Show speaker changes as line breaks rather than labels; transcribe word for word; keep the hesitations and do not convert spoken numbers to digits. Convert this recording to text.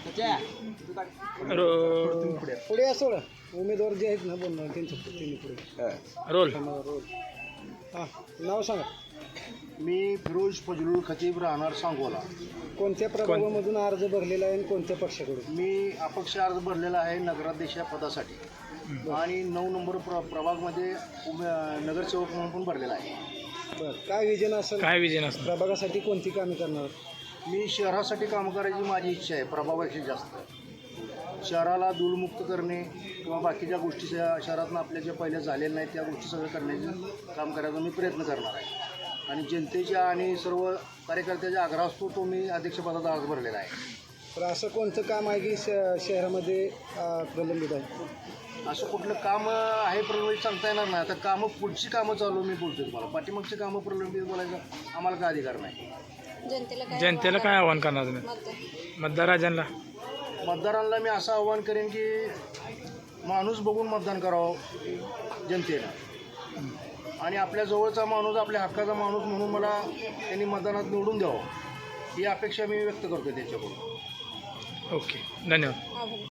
Row-
पुढे असो ना, उमेदवार जे आहेत ना बोलणार त्यांच्या त्यांनी पुढे
रोल
रोल. हां, नाव सांगा.
मी फिरोज फजलुल खतीब राहणार सांगोला.
कोणत्या प्रभागामधून अर्ज भरलेला आहे आणि कोणत्या पक्षाकडून?
मी अपक्ष अर्ज भरलेला आहे नगराध्यक्ष या पदासाठी आणि नऊ नंबर प्र प्रभागमध्ये उमे नगरसेवक म्हणून पण भरलेला आहे.
बरं, काय विजन असेल
काय विजय नसतं.
प्रभागासाठी? कोणती कामे करणार?
मी शहरासाठी काम करायची माझी इच्छा आहे प्रभागापेक्षा जास्त. शहराला धूळमुक्त करणे किंवा बाकीच्या गोष्टी शह- शहरातून आपल्या ज्या पहिल्या झालेल्या नाहीत त्या गोष्टी सगळं करण्याचं काम करायचा मी प्रयत्न करणार आहे. आणि जनतेच्या आणि सर्व कार्यकर्त्याच्या आग्रह असतो तो मी अध्यक्षपदाचा अर्ज भरलेला आहे.
तर असं कोणतं काम आहे की श- शहरामध्ये अं, प्रलंबित आहे?
असं कुठलं काम आहे प्रलंबित सांगता येणार नाही. आता कामं पुढची कामं चालू मी बोलतो तुम्हाला. पाठीमागची कामं प्रलंबित बोलायचं आम्हाला काय अधिकार नाही.
जनतेला काय आव्हान करणार तुम्ही मतदार राजांना?
मतदारांना मी असं आव्हान करेन की माणूस बघून मतदान करावं जनतेनं, आणि आपल्या जवळचा माणूस आपल्या हक्काचा माणूस म्हणून मला त्यांनी मतदानात निवडून द्यावं ही अपेक्षा मी व्यक्त करतो त्याच्याकडून.
ओके, धन्यवाद.